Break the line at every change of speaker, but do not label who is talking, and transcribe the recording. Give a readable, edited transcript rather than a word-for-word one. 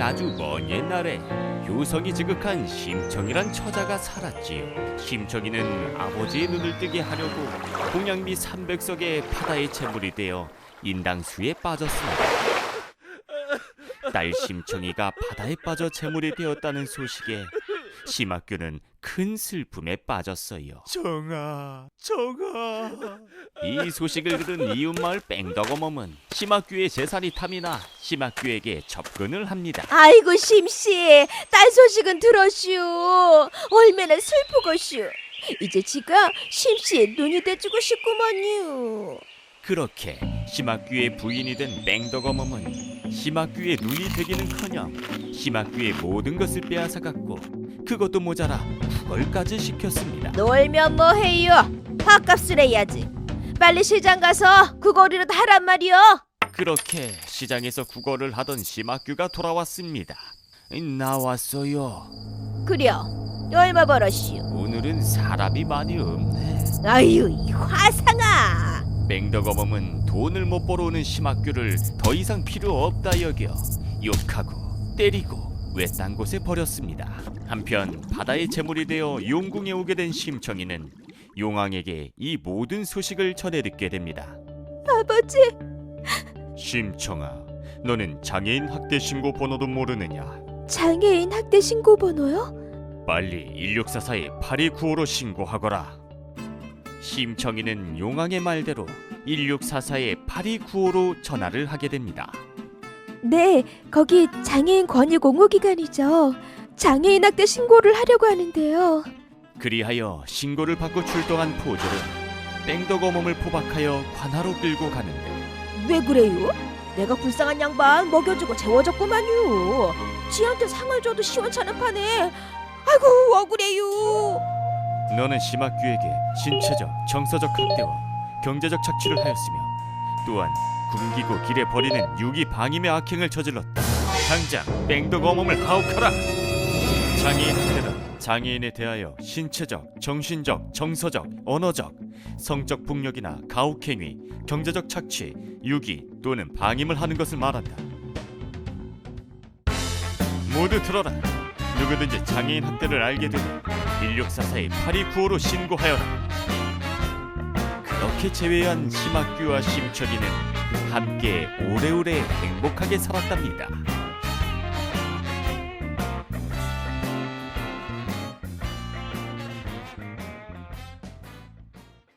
아주 먼 옛날에 효성이 지극한 심청이란 처자가 살았지요. 심청이는 아버지의 눈을 뜨게 하려고 동양미 300석의 바다의 재물이 되어 인당수에 빠졌습니다. 딸 심청이가 바다에 빠져 재물이 되었다는 소식에 심학규는 큰 슬픔에 빠졌어요.
정아.
이 소식을 들은 이웃마을 뺑덕어멈은 심학규의 재산이 탐이 나 심학규에게 접근을 합니다.
아이고 심씨, 딸 소식은 들었슈. 얼마나 슬프고슈. 이제 지가 심씨의 눈이 돼주고 싶구먼요.
그렇게 심학규의 부인이 된 뺑덕어멈은 심학규의 눈이 되기는커녕 심학규의 모든 것을 빼앗아갔고 그것도 모자라 구걸까지 시켰습니다.
놀면 뭐해요? 밥값을 해야지. 빨리 시장 가서 그거리라도 하란 말이요.
그렇게 시장에서 구걸을 하던 심학규가 돌아왔습니다. 나왔어요.
그려, 얼마 벌었슈?
오늘은 사람이 많이 없네.
아유, 이 화상아.
맹덕어멈은 돈을 못 벌어오는 심학규를 더 이상 필요 없다 여겨 욕하고 때리고 외딴 곳에 버렸습니다. 한편 바다의 재물이 되어 용궁에 오게 된 심청이는 용왕에게 이 모든 소식을 전해 듣게 됩니다.
아버지,
심청아, 너는 장애인 학대 신고 번호도 모르느냐?
장애인 학대 신고 번호요?
빨리 1644에 8295로 신고하거라. 심청이는 용왕의 말대로 1644에 8295로 전화를 하게 됩니다.
네, 거기 장애인 권유 공호기관이죠. 장애인 학대 신고를 하려고 하는데요.
그리하여 신고를 받고 출동한 포졸은 뺑덕어멈을 포박하여 관하로 끌고 가는데
왜 그래요? 내가 불쌍한 양반 먹여주고 재워줬구만요. 지한테 상을 줘도 시원찮은 판에. 아이고 억울해요.
너는 심학규에게 신체적, 정서적 학대와 경제적 착취를 하였으며 또한 굶기고 길에 버리는 유기 방임의 악행을 저질렀다. 당장 뺑덕어멈을 하옥하라. 장애인 학대는 장애인에 대하여 신체적, 정신적, 정서적, 언어적, 성적 폭력이나 가혹행위, 경제적 착취, 유기 또는 방임을 하는 것을 말한다. 모두 들어라. 누구든지 장애인 학대를 알게 되면 1644에 8295로 신고하여라. 그렇게 재회한 심학규와 심청이는 함께 오래오래 행복하게 살았답니다.